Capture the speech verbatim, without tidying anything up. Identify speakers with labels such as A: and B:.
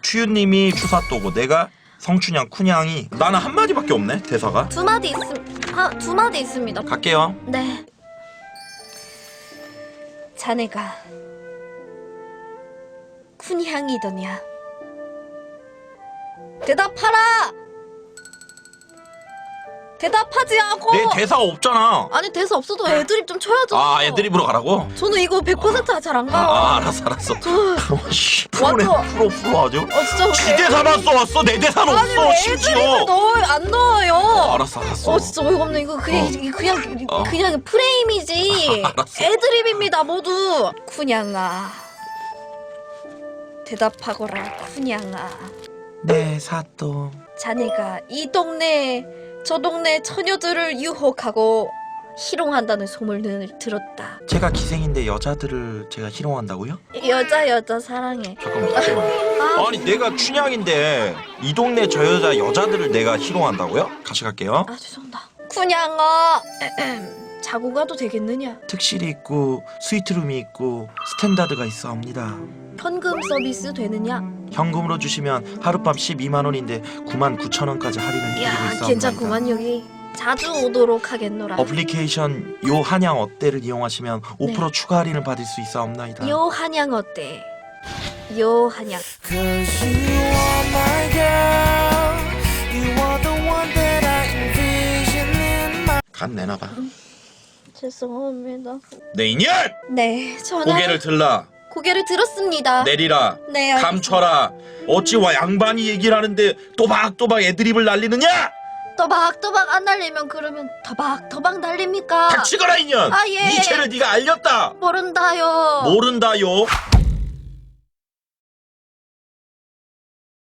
A: 추유님이 추사또고 내가 성춘향 쿤향이. 나는 한 마디밖에 없네 대사가.
B: 두 마디 있음 아, 두 마디 있습니다.
A: 갈게요.
B: 네. 자네가 쿤향이더냐? 대답하라! 대답하지 않고!
A: 내 대사가 없잖아.
B: 아니 대사 없어도 애드립 좀 쳐야죠.
A: 아 애드립으로 가라고?
B: 저는 이거 백 퍼센트 잘 안 가요.
A: 아, 아 알았어 알았어.
B: 저...
A: 씨, 프로네
B: 완전-
A: 프로 프로 아주.
B: 어 진짜
A: 지 대사만 써왔어. 내 대사는
B: 아니
A: 없어
B: 왜
A: 심지어.
B: 애드립을 넣어요? 안 넣어요.
A: 어, 알았어 알았어.
B: 어 진짜 어이가 없네. 이거 그냥
A: 어.
B: 이게 그냥
A: 어.
B: 그냥 프레임이지.
A: 알았어.
B: 애드립입니다 모두. 쿤양아 대답하거라 쿤양아.
A: 네 사또.
B: 자네가 이 동네 저 동네 처녀들을 유혹하고 희롱한다는 소문을 들었다.
A: 제가 기생인데 여자들을 제가 희롱한다고요?
B: 여자 여자 사랑해.
A: 잠깐만 다시 해봐요.
B: 아,
A: 아니 내가 춘향인데 이 동네 저 여자 여자들을 내가 희롱한다고요? 같이 갈게요.
B: 아 죄송합니다. 쿤양아 자고 가도 되겠느냐?
A: 특실이 있고 스위트룸이 있고 스탠다드가 있어옵니다.
B: 현금 서비스 되느냐?
A: 현금으로 주시면 하룻밤 십이만 원인데 구만 구천 원까지 할인을 해드리고
B: 이야
A: 있어옵니다.
B: 괜찮구만 여기. 자주 오도록 하겠노라.
A: 어플리케이션 요 한양 어때를 이용하시면 오 퍼센트
B: 네.
A: 추가 할인을 받을 수 있어옵나이다.
B: 요 한양 어때? 요 한양.
C: Cause you are my girl. You are the one that I envision in my.
A: 간 내놔봐.
B: 죄송합니다.
A: 내 인연!
B: 네 저는
A: 고개를 들라
B: 고개를 들었습니다.
A: 내리라
B: 네 알겠습니다.
A: 감춰라. 어찌 와 양반이 얘기를 하는데 또박또박 애드립을 날리느냐?
B: 또박또박 안 날리면 그러면 더박더박 날립니까?
A: 닥치거라 인연.
B: 아, 예.
A: 이 죄를 네가 알렸다.
B: 모른다요.
A: 모른다요.